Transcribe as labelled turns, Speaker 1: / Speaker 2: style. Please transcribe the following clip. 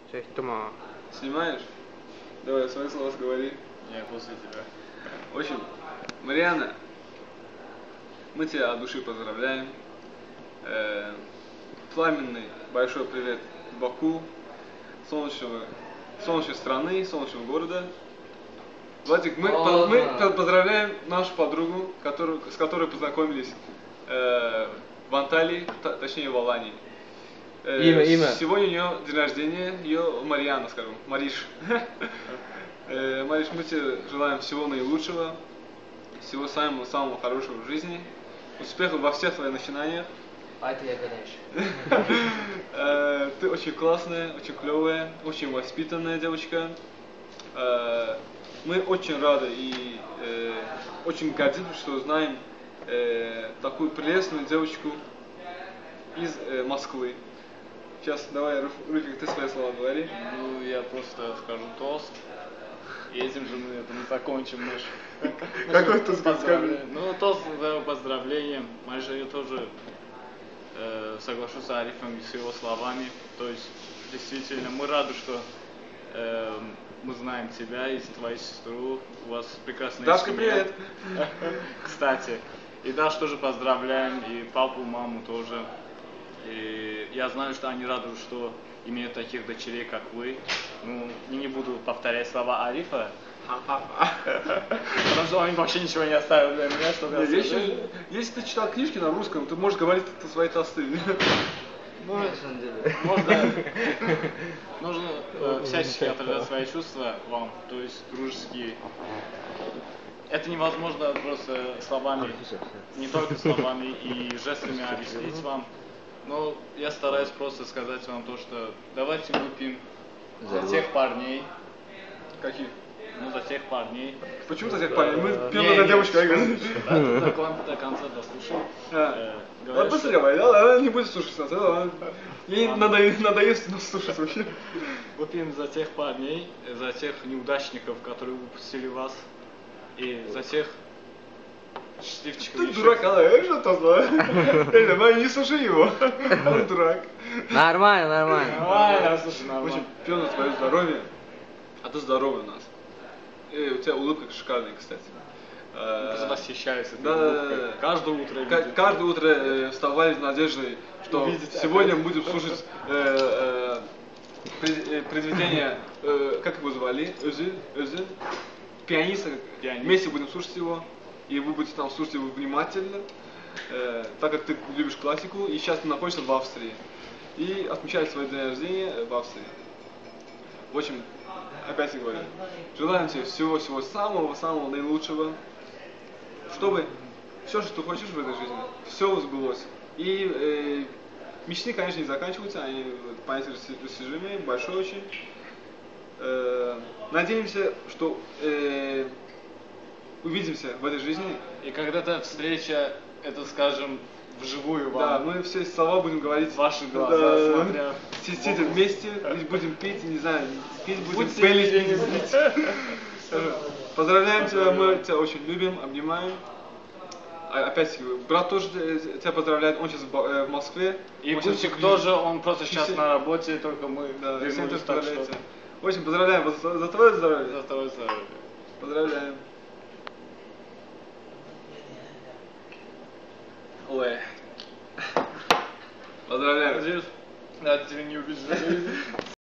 Speaker 1: Cześć, Тома.
Speaker 2: Снимаешь? Давай, свои слова говори.
Speaker 3: Я после тебя.
Speaker 2: В общем, Марианна, мы тебя от души поздравляем. Пламенный большой привет Баку, солнечной страны, солнечного города. Владик, мы поздравляем нашу подругу, с которой познакомились в Анталии, точнее в Алании.
Speaker 1: Имя.
Speaker 2: Сегодня у нее день рождения, ее Марианна, скажем, Мариш. Мариш, мы тебе желаем всего наилучшего, всего самого хорошего в жизни, успехов во всех твоих начинаниях.
Speaker 4: А это я гадаешь.
Speaker 2: Ты очень классная, очень клевая, очень воспитанная девочка. Мы очень рады и очень гордимся, что знаем такую прелестную девочку из Москвы. Сейчас давай, Руфик, ты свои слова говори.
Speaker 3: Ну, я просто скажу тост. И этим же мы закончим наш...
Speaker 2: Какой тост, скажи?
Speaker 3: Ну, тост за поздравлением. Майже я тоже соглашусь с Арифом и с его словами. То есть, действительно, мы рады, что мы знаем тебя и твою сестру. У вас прекрасная
Speaker 2: Дашка,
Speaker 3: семья.
Speaker 2: привет!
Speaker 3: Кстати. И Даш тоже поздравляем, и папу, маму тоже. И я знаю, что они рады, что имеют таких дочерей, как вы. Ну, не буду повторять слова Арифа. Потому что он вообще ничего не оставил для меня, чтобы я сказал.
Speaker 2: Если ты читал книжки на русском, ты можешь говорить свои тосты.
Speaker 3: Нужно всячески отражать свои чувства вам, то есть дружеские. Это невозможно просто словами, не только словами и жестами объяснить вам. Но я стараюсь просто сказать вам то, что давайте выпьем за тех парней.
Speaker 2: Каких?
Speaker 3: Ну, за тех парней.
Speaker 2: Почему за тех парней? Мы пьем за девочку.
Speaker 3: До конца дослушай.
Speaker 2: Ладно, быстро давай, да? Не будешь слушать нас. Ей надоест нас слушать вообще.
Speaker 3: Выпьем за тех парней, за тех неудачников, которые выпустили вас. И за тех счастливчиков.
Speaker 2: Ты дурак, а что то знаю? Реально, не слушай его. Он дурак.
Speaker 1: Нормально.
Speaker 2: В общем, пьем на твое здоровье. А ты здоровый у нас. И у тебя улыбка шикарная, кстати.
Speaker 3: Восхищаюсь этой
Speaker 2: улыбкой.
Speaker 3: Да. Каждое утро.
Speaker 2: Каждое утро вставали с надеждой, что сегодня будем слушать произведение, как его звали? Özil. Пианиста. Вместе будем слушать его. И вы будете там слушать его внимательно, так как ты любишь классику, и сейчас ты находишься в Австрии. И отмечаешь свой день рождения в Австрии. В общем, опять я говорю, желаем тебе всего самого наилучшего, чтобы все, что ты хочешь в этой жизни, все сбылось. И мечты, конечно, не заканчиваются, они понятие достижимые, большой очень. Надеемся, что увидимся в этой жизни.
Speaker 3: И когда-то встреча, это, скажем, вживую вам.
Speaker 2: Да, мы все слова будем говорить.
Speaker 3: Ваши глаза, смотря.
Speaker 2: Сидя вместе, будем пить, не знаю, пить будем, пить. Поздравляем тебя, мы тебя очень любим, обнимаем. Опять, брат тоже тебя поздравляет, он сейчас в Москве.
Speaker 3: И Путик тоже, он просто сейчас на работе, только мы
Speaker 2: вернулись, так что... В общем, поздравляем за твое здоровье.
Speaker 3: За твое здоровье.
Speaker 2: Поздравляем. Ой. Поздравляю.
Speaker 3: Надеюсь, тебя не убежали.